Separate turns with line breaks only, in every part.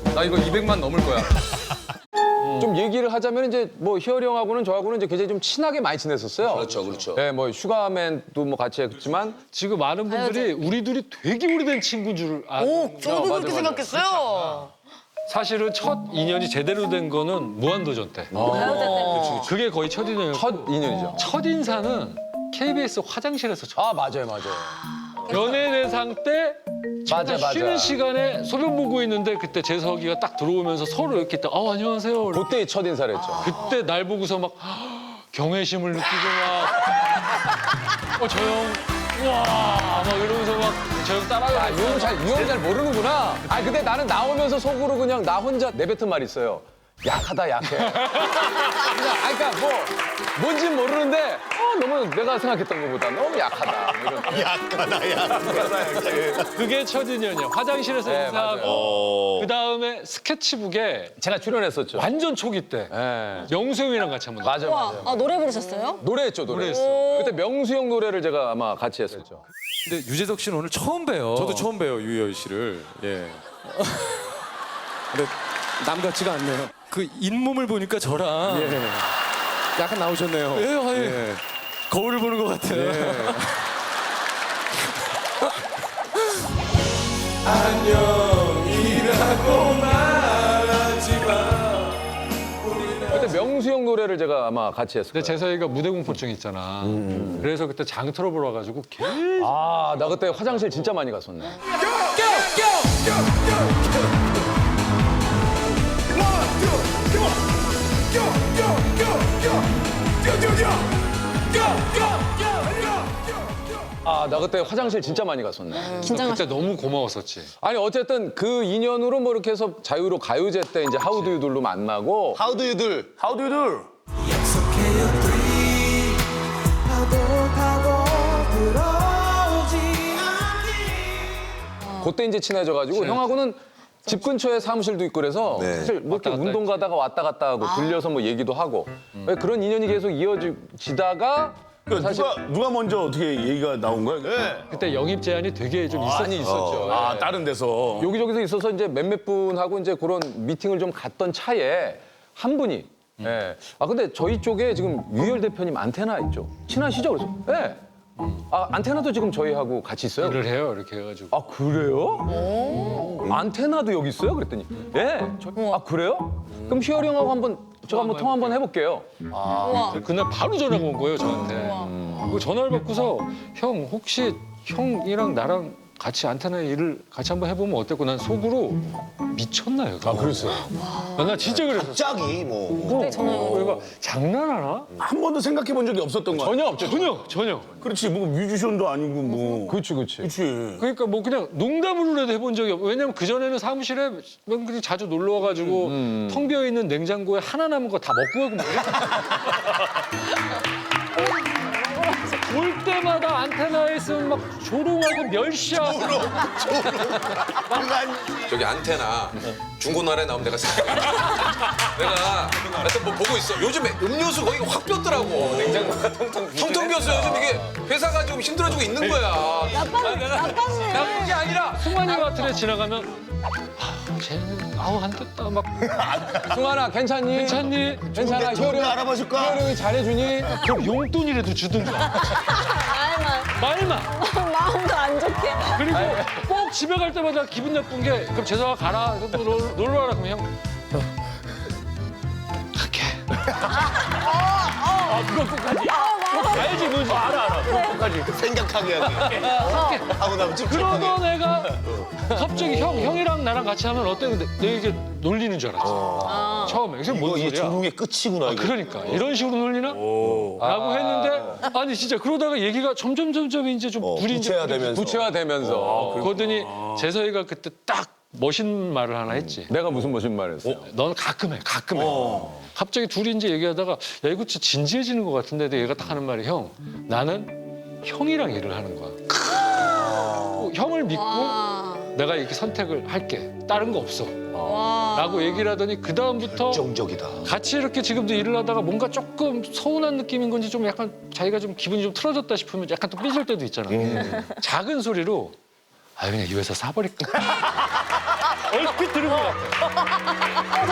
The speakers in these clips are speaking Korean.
나 이거 200만 넘을 거야. 좀 얘기를 하자면 이제 뭐 희열이 형하고는 저하고는 이제 굉장히 좀 친하게 많이 지냈었어요.
그렇죠, 그렇죠.
네, 뭐 슈가맨도 뭐 같이 했지만
지금 많은 분들이 우리 둘이 되게 오래된 친구인 줄
오, 저도
맞아,
그렇게
맞아.
생각했어요.
사실은 첫 인연이 제대로 된 거는 무한도전 때. 그게 거의 첫 인연이었고
첫 인연이죠.
첫 인사는 KBS 화장실에서 첫.
아, 맞아요, 맞아요.
연예대상 때
맞아, 맞아.
쉬는 시간에 소변 보고 있는데 그때 재석이가 딱 들어오면서 서로 이렇게 딱 안녕하세요.
그때 첫 인사를 했죠.
그때 날 보고서 막 경외심을 느끼고 막 저 형 우와 막 이러면서 막 저 형 따라가.
이 형은 잘 모르는구나. 아, 근데 나는 나오면서 속으로 그냥 나 혼자 내뱉은 말 있어요. 약하다, 약해. 그냥, 그러니까 뭐, 뭔진 모르는데, 너무 내가 생각했던 것보다 너무 약하다. 뭐 이런.
약하다.
그게 첫 인연이야. 화장실에서
네,
인사하고 그 다음에 스케치북에
제가 출연했었죠.
완전 초기 때
네.
명수 형이랑 같이 한번
맞아, 맞아.
아, 노래 부르셨어요?
노래했죠, 노래.
노래했어.
그때 명수 형 노래를 제가 아마 같이 했었죠.
근데 유재석 씨는 오늘 처음 봬요.
저도 처음 봬요 유희열 씨를. 예. 근데 남 같지가 않네요.
그 잇몸을 보니까 저랑
예. 약간 나오셨네요.
예, 아예
예.
거울을 보는 것 같아요.
예.
그때 명수 형 노래를 제가 아마 같이 했었어요.
근데 재석이가 무대 공포증 있잖아. 그래서 그때 장 틀어보러 와가지고 계속
아, 나 그때 화장실 진짜 많이 갔었네. 아, 나 그때 화장실 진짜 많이 갔었네.
그때 너무 고마웠었지.
아니, 어쨌든 그 인연으로 뭐 이렇게 해서 자유로 가요제 때 이제 하우드유들로 만나고
하우드 유들. 하우드 유들.
그때 이제 친해져가지고 형하고는 집 근처에 사무실도 있고 그래서 사실 뭐 이렇게
왔다 갔다
운동 가다가 왔다 갔다 하고 들려서 뭐 얘기도 하고 그런 인연이 계속 이어지다가 사실
누가 먼저 어떻게 얘기가 나온 거야? 네.
그때 영입 제한이 되게 좀
많이 있었죠.
아,
예.
다른 데서.
여기저기서 있어서 이제 몇몇 분하고 이제 그런 미팅을 좀 갔던 차에 한 분이 예. 아 근데 저희 쪽에 지금 유희열 대표님 안테나 있죠. 친하시죠? 그래서 예. 아 안테나도 지금 저희하고 같이 있어요.
일을 해요. 이렇게 해가지고.
아 그래요? 안테나도 여기 있어요? 그랬더니 예. 아 그래요? 그럼 희열이 형하고 한번 제가 한번 통화 한번 해볼게요.
그날 바로 전화가 온 거예요, 저한테. 그 전화를 받고서 형 혹시 형이랑 나랑 같이 안테나 일을 같이 한번 해보면 어땠고 난 속으로 미쳤나요? 아,
그랬어요?
나 진짜 그랬어.
갑자기 뭐.
그러니까 장난하나?
한 번도 생각해 본 적이 없었던 거야.
전혀 없죠.
전혀.
그렇지. 뭐 뮤지션도 아니고 뭐.
그렇지 그렇지.
그렇지.
그러니까 뭐 그냥 농담으로라도 해본 적이 없고 왜냐면 그전에는 사무실에 그냥 자주 놀러 와가지고 텅 비어있는 냉장고에 하나 남은 거 다 먹고 가고 올 때마다 안테나에 있으면 막 조롱하고 멸시하고
저기 안테나 중고나라에 나오면 내가 내가 하여튼 뭐 보고 있어. 요즘에 음료수 거기가 확 뼈더라고. 냉장고가 텅텅 비었어. 요즘 이게 회사가 좀 힘들어지고 있는 거야.
나쁜 게 아니라 승환이 같은 애 지나가면 쟤는 안 됐다 막
승환아 괜찮니?
괜찮니?
괜찮아.
좋은데 알아봐줄까?
희열이 형이 잘해주니?
그럼 용돈이라도 주든가 말만
마음도 안 좋게.
그리고 꼭 집에 갈 때마다 기분 나쁜 게 그럼 재석아 가라 놀러 와라 그러면 형 갈게 그거 끝까지 알지 뭔지 알아
생각하게 하게. 하고 나면 찝찝하게.
그러던 애가 갑자기 형이랑 나랑 같이 하면 어때? 근데 내가 놀리는 줄 알았어 처음에 그래서 뭔
이게
소리야
조롱의 끝이구나. 이게.
그러니까 이런 식으로 놀리나? 라고 했는데 아니 진짜 그러다가 얘기가 점점 이제 좀 둘이 이제
구체화되면서.
구체화되면서
그러더니 재석이가 그때 딱 멋있는 말을 하나 했지.
내가 무슨 말을 했어?
넌 가끔 해. 갑자기 둘이 이제 얘기하다가 야 이거 진짜 진지해지는 것 같은데 근데 얘가 딱 하는 말이 형 나는 형이랑 일을 하는 거야. 형을 믿고 내가 이렇게 선택을 할게. 다른 거 없어. 라고 얘기를 하더니 그 다음부터
정적이다.
같이 이렇게 지금도 일을 하다가 뭔가 조금 서운한 느낌인 건지 좀 약간 자기가 좀 기분이 좀 틀어졌다 싶으면 약간 또 삐질 때도 있잖아. 작은 소리로 아 그냥 이 회사 사버릴까? 얼핏 들은 것 같아.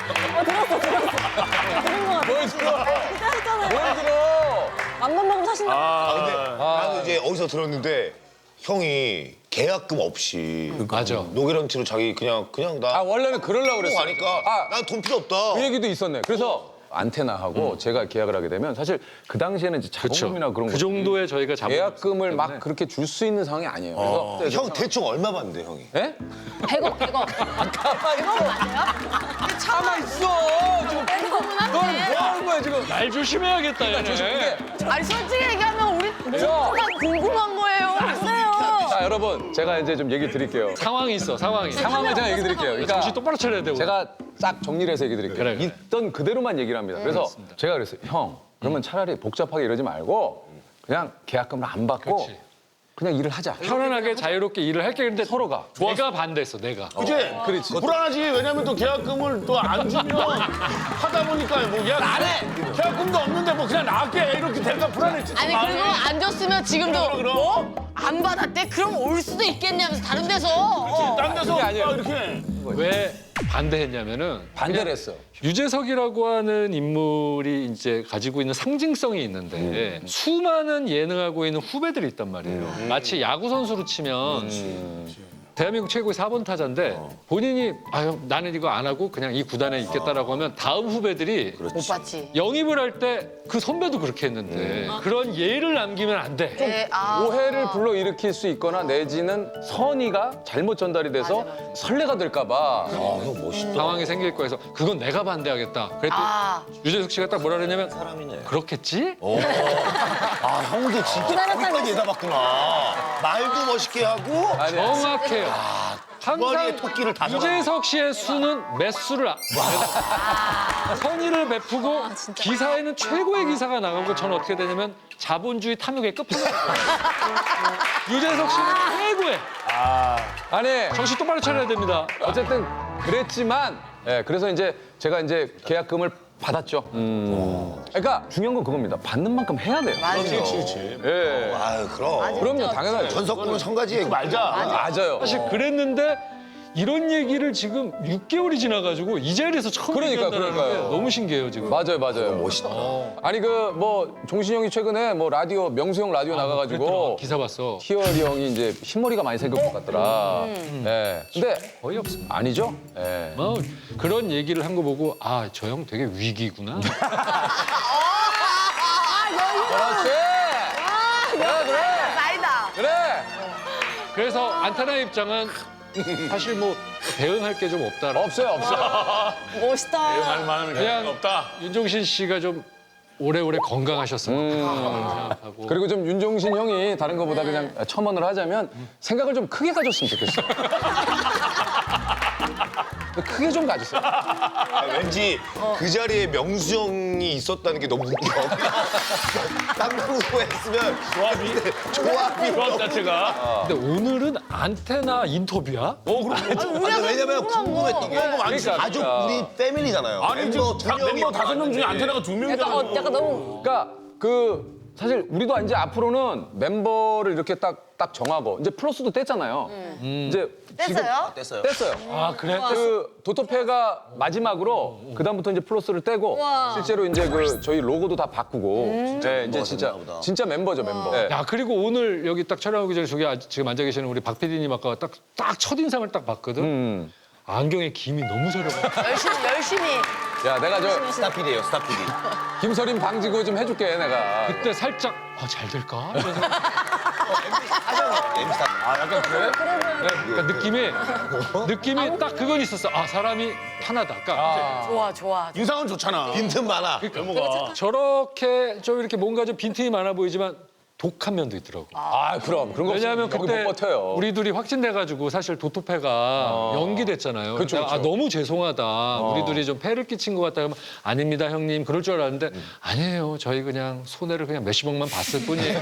뭘 들어?
했잖아요.
뭘 들어?
맘만 먹으면 사신다.
근데 나는 이제 어디서 들었는데 형이 계약금 없이
맞아.
노계런티로 자기 그냥 나
아 원래는 그러려고 그랬어.
가니까 난 돈 필요 없다.
그 얘기도 있었네. 그래서 안테나하고 제가 계약을 하게 되면 사실 그 당시에는 이제 자본금이나 그런
그
거
정도의 저희가 자본
계약금을 막 그렇게 줄 수 있는 상황이 아니에요. 그래서
형 대충 얼마 받는데 형이?
예?
100억.
가만 있어. 가만 있어. 지금
100억은
너는
한데.
뭐 하는 거야 지금?
날 조심해야겠다 얘네.
아니 솔직히 얘기하면 우리
야.
궁금한 거예요. 그래요.
자 여러분 제가 이제 좀 얘기 드릴게요.
상황이 있어 상황이.
상황을 제가 얘기 드릴게요. 그러니까
정신 똑바로 차려야 돼. 우리.
제가 딱 정리를 해서 얘기 드릴게요.
그래.
있던 그대로만 얘기를 합니다. 그래서 제가 그랬어요. 형, 그러면 차라리 복잡하게 이러지 말고 그냥 계약금을 안 받고
그렇지.
그냥 일을 하자.
편안하게 자유롭게 일을 할게. 근데 서로가 내가 반대했어 내가.
그치?
그렇지.
불안하지. 왜냐면 또 계약금을 또 안 주면 하다 보니까 뭐 안 해. 계약금도 없는데 뭐 그냥 나갈게 이렇게 되니까 불안했지.
아니
마음이.
그리고 안 줬으면 지금도
그럼.
뭐? 안 받았대? 그럼 올 수도 있겠냐면서 다른 데서.
딴 데서
그게 아니에요.
막 이렇게.
왜 반대했냐면은
반대를 했어.
유재석이라고 하는 인물이 이제 가지고 있는 상징성이 있는데 수많은 예능하고 있는 후배들이 있단 말이에요. 마치 야구 선수로 치면 대한민국 최고의 4번 타자인데 본인이 아유 나는 이거 안 하고 그냥 이 구단에 있겠다라고 하면 다음 후배들이
못 받지.
영입을 할 때 그 선배도 그렇게 했는데 그런 예를 남기면 안 돼.
네,
오해를 불러일으킬 수 있거나 내지는 선의가 잘못 전달이 돼서 설레가 될까 봐.
형 멋있다.
상황이 생길 거여서 그건 내가 반대하겠다. 그랬더니 유재석 씨가 딱 뭐라 그랬냐면 그렇겠지?
아 형도 진짜 거기까지 예사봤구나. 말도 멋있게 하고
정확해요.
머리에
항상
토끼를 다
유재석 씨의 수는 매수를 선의를 베푸고 기사에는 최고의 기사가 나가고 저는 어떻게 되냐면 자본주의 탐욕의 끝판왕. 유재석 씨는 최고의.
아니
정신 똑바로 차려야 됩니다.
어쨌든 그랬지만 그래서 이제 제가 이제 계약금을 받았죠. 그러니까 중요한 건 그겁니다. 받는 만큼 해야 돼요.
그렇지.
예.
아유 그럼.
그럼요, 당연하죠.
전석구는 성가지
말자.
맞아요.
사실 그랬는데 이런 얘기를 지금 6개월이 지나가지고 이 자리에서 처음 얘기한다는 게
그러니까요.
너무 신기해요 지금.
맞아요. 멋있다. 아니 그 뭐 종신이 형이 최근에 뭐 라디오 명수형 라디오 나가가지고
그랬더라. 기사 봤어.
희열이 형이 이제 흰머리가 많이 생길 것 같더라. 예. 근데
거의 없습니다.
아니죠? 예.
뭐 그런 얘기를 한 거 보고 아 저 형 되게 위기구나.
그렇지. 그래.
나이다.
그래.
그래서 안테나 입장은 사실 뭐 대응할 게 좀 없다.
없어요.
멋있다.
그냥
없다.
윤종신 씨가 좀 오래오래 건강하셨으면 생각하고.
그리고 좀 윤종신 형이 다른 것보다 그냥 첨언을 하자면 생각을 좀 크게 가졌으면 좋겠어. 크게 좀 가졌어요.
왠지 그 자리에 명수 형이 있었다는 게 너무 웃겨. 딴 방송 했으면 조합이
조합 자체가.
근데 오늘은 안테나 인터뷰야?
아니, 왜냐면 궁금했던 게
그러니까,
가족
그러니까.
우리 패밀리잖아요.
아니
멤버
지금 멤버 5명 중에 안테나가 2명이잖아.
약간 너무
그러니까 그 사실 우리도 이제 앞으로는 멤버를 이렇게 딱 정하고 이제 플러스도 뗐잖아요. 이제
뗐어요?
뗐어요.
아 그래?
그 도토페가 마지막으로 그다음부터 이제 플러스를 떼고 실제로 이제 그 저희 로고도 다 바꾸고 이제 진짜 멤버죠 멤버. 네.
야 그리고 오늘 여기 딱 촬영하기 전에 저기 지금 앉아 계시는 우리 박 PD님 아까 딱 첫인상을 딱 봤거든. 안경에 김이 너무 새려가.
열심히.
야 내가 저
스타필이에요, 스타필이.
김서림 방지구 좀 해줄게 내가.
그때 살짝 잘 될까? 이런 생각.
약간 그래?
그러니까 느낌이 딱 그건 있었어. 아 사람이 편하다. 그러니까
좋아.
인상은 좋잖아.
빈틈 많아.
저렇게 좀 이렇게 뭔가 좀 빈틈이 많아 보이지만 독한 면도 있더라고.
아 그럼 그런 거
왜냐하면
없으면
그때
여기 못 버텨요.
우리 둘이 확진돼가지고 사실 도토패가 연기됐잖아요.
그쵸,
내가, 아,
그쵸.
너무 죄송하다. 우리 둘이 좀 폐를 끼친 것 같다. 그러면 아닙니다 형님. 그럴 줄 알았는데 아니에요. 저희 그냥 손해를 그냥 몇십억만 봤을 뿐이에요.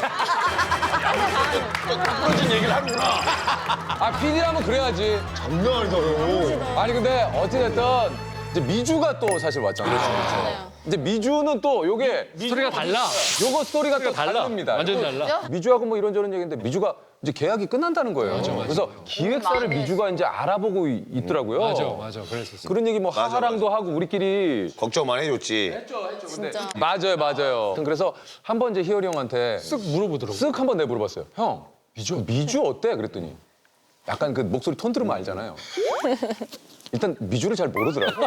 그런 얘기를 하는구나.
아 PD라면 그래야지.
장난 아니다요.
아니 근데 어찌됐든 이제 미주가 또 사실 왔잖아요. 이제 미주는 또 요게
스토리가 달라.
요거 스토리가 또
달라.
다릅니다.
완전 달라.
미주하고 뭐 이런저런 얘기인데 미주가 이제 계약이 끝난다는 거예요. 그래서 기획사를 미주가 이제 알아보고 있더라고요.
맞아. 그랬었어.
그런 얘기 뭐 하하랑도 하고 우리끼리
걱정만 해줬지.
맞아요. 그래서 한번 이제 희열이 형한테
쓱 물어보더라고.
쓱 한번 내가 물어봤어요. 형, 미주 어때? 그랬더니 약간 그 목소리 톤 들으면 알잖아요. 일단 미주를 잘 모르더라고.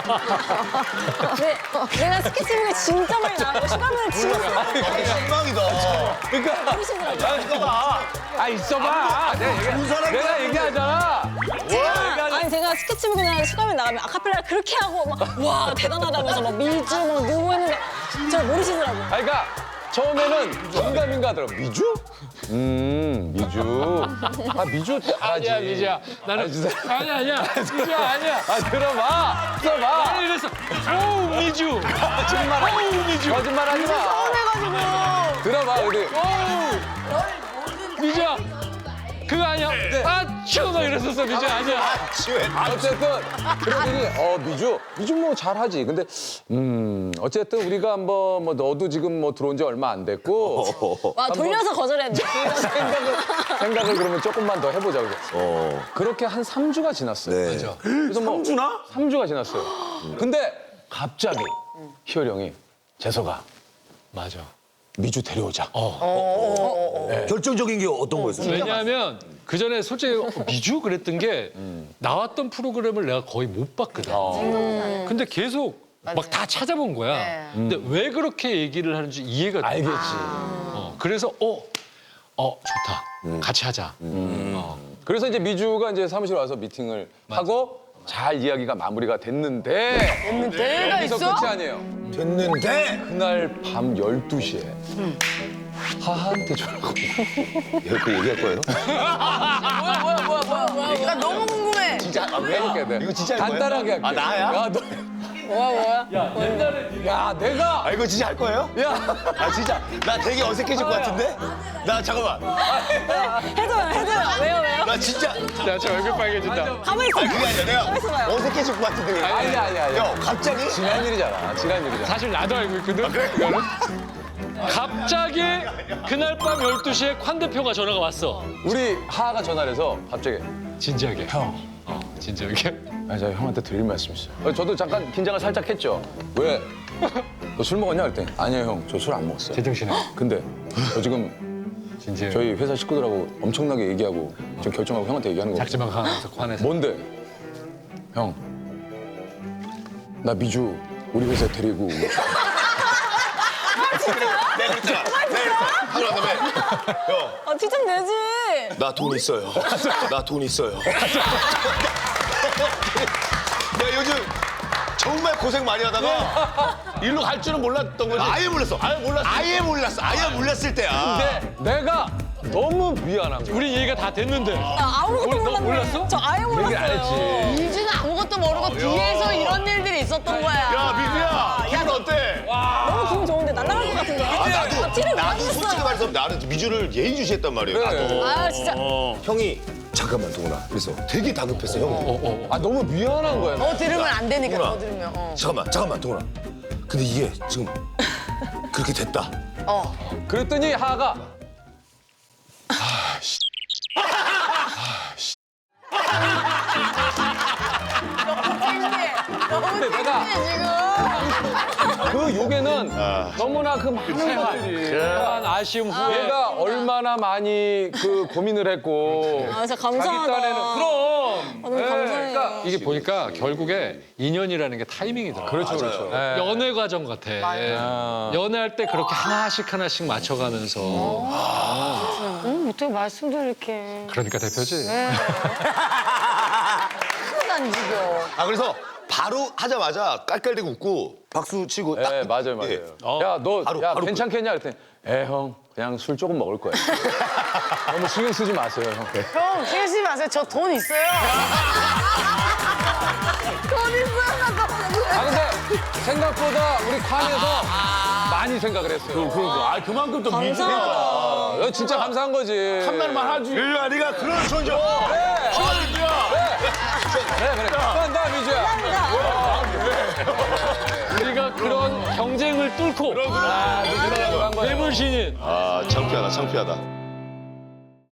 내가 스케치북에 진짜 많이 나왔고 슈가맨을 진짜
실망이다.
그러니까 있어봐. 내가 얘기하잖아.
아니 제가 스케치북이나 슈가맨 나가면 아카펠라를 그렇게 하고 막 와 대단하다면서 막 미주 막 누구 했는데 저 모르시더라고요.
그러니까 처음에는 정감인가 하더라고. 미주? 미주. 미주 잘하지.
아니야, 미주야. 나는 아니야. 미주야, 아니야.
들어봐.
나는 이랬어. 오, 미주.
거짓말.
오, 미주.
거짓말하지 마.
서운해가지고.
들어봐. 우리.
미주야. 그거 아니야. 아쭈 막 이랬었어, 미주야. 아니야.
어쨌든 그러더니 미주 뭐 잘하지. 근데 어쨌든 우리가 한번 뭐 너도 지금 뭐 들어온 지 얼마 안 됐고
와 돌려서 거절했네.
생각을 그러면 조금만 더 해보자. 그래서 그렇게 한 3주가 지났어요.
네.
맞아.
그래서 뭐 3주가 지났어요. 근데 갑자기 희열이 형이 재석아
맞아.
미주 데려오자.
결정적인 게 어떤 거였어요?
왜냐하면 그 전에 솔직히 미주 그랬던 게 나왔던 프로그램을 내가 거의 못 봤거든. 근데 계속 막 다 찾아본 거야. 근데 왜 그렇게 얘기를 하는지 이해가 돼.
알겠지.
그래서 좋다. 같이 하자.
그래서 이제 미주가 이제 사무실 와서 미팅을 하고 잘 이야기가 마무리가 됐는데
내가
여기서
있어?
끝이 아니에요.
됐는데
그날 밤 12시에 하하한테 전화가
그 얘기할 거예요?
뭐야. 나 너무 궁금해.
진짜
해볼게 돼.
이거 진짜 할 거예요?
간단하게 할게.
아, 나야?
야, 너, 야, 내가
이거 진짜 할 거예요?
야,
진짜 나 되게 어색해질 것 같은데? 나 잠깐만.
해줘요. 왜요?
나 진짜
야, 저 얼굴 빨개진다.
가만히 있어.
그게 아니라 내가 어색해질 것 같은데.
아니야.
형 갑자기?
지난 일이잖아.
사실 나도 알고 있거든. 이거는. 갑자기 그날 밤 12시에 관 대표가 전화가 왔어.
우리 하하가 전화를 해서 갑자기
진지하게.
형.
진지하게.
제가 형한테 드릴 말씀 있어요. 저도 잠깐 긴장을 살짝 했죠. 왜? 너 술 먹었냐? 그랬더니 아니요 형, 저 술 안 먹었어요.
제정신에.
근데 저 지금
진지해.
저희 회사 식구들하고 엄청나게 얘기하고 지금 결정하고 형한테 얘기하는 거.
작지만 강하면서 관에서.
뭔데? 형, 나 미주 우리 회사에 데리고
내가 그랬잖아. 하고 난 다음에 형,
티 좀 내지.
나 돈 있어요. 나 돈 있어요. 내가 요즘 정말 고생 많이 하다가
일로 갈 줄은 몰랐던 거지.
아예 몰랐어. 아예 몰랐을 때야.
근데 내가 너무 미안한 거야.
우리 얘기가 다 됐는데.
아무것도
너
몰랐네.
몰랐어?
저 아예 몰랐어요.
안 했지.
미주는 아무것도 모르고 뒤에서 이런 일들이 있었던 거야.
야, 미주야, 기분 어때?
너무 기분 좋은데 날아갈 것 같은데. 티를
나도
못
솔직히
냈어요.
말해서 나는 미주를 예의주시했단 말이에요.
그래.
나도.
아 진짜.
형이 잠깐만 동훈아. 그래서 되게 다급했어 형.
너무 미안한 거야.
더 들으면 안 되니까
동훈아.
더 들으면.
잠깐만 동훈아. 근데 이게 지금 그렇게 됐다.
그랬더니 하하가 근데 내가 그 욕에는 너무나 그 많은 것들이
그런 아쉬움 후에.
내가 얼마나 많이 그 고민을 했고
아 진짜
자기
감사하다.
딴에는 그럼
너무 감사해요.
그러니까
이게 보니까 결국에 인연이라는 게 타이밍이더라고.
그렇죠.
연애 과정 같아. 연애할 때 그렇게 하나씩 맞춰가면서.
어떻게 말씀도 이렇게.
그러니까 대표지.
하나도 안 죽여.
그래서 바로 하자마자 깔깔대고 웃고 박수 치고 딱.
네, 맞아요.
예.
야, 너
바로
괜찮겠냐? 그랬더니 형, 그냥 술 조금 먹을 거야. 너무 신경 쓰지 마세요, 형.
형, 신경 쓰지 마세요. 저 돈 있어요. 돈 있어요.
근데 생각보다 우리 관에서 많이 생각을 했어요.
그러니까. 그만큼 또 미주.
진짜 감사한 거지.
한날만 하지.
일로와 네가 그런 존재.
그래. 나 미주야.
우리가 그런 경쟁을 뚫고
한 거야.
대물신인.
창피하다.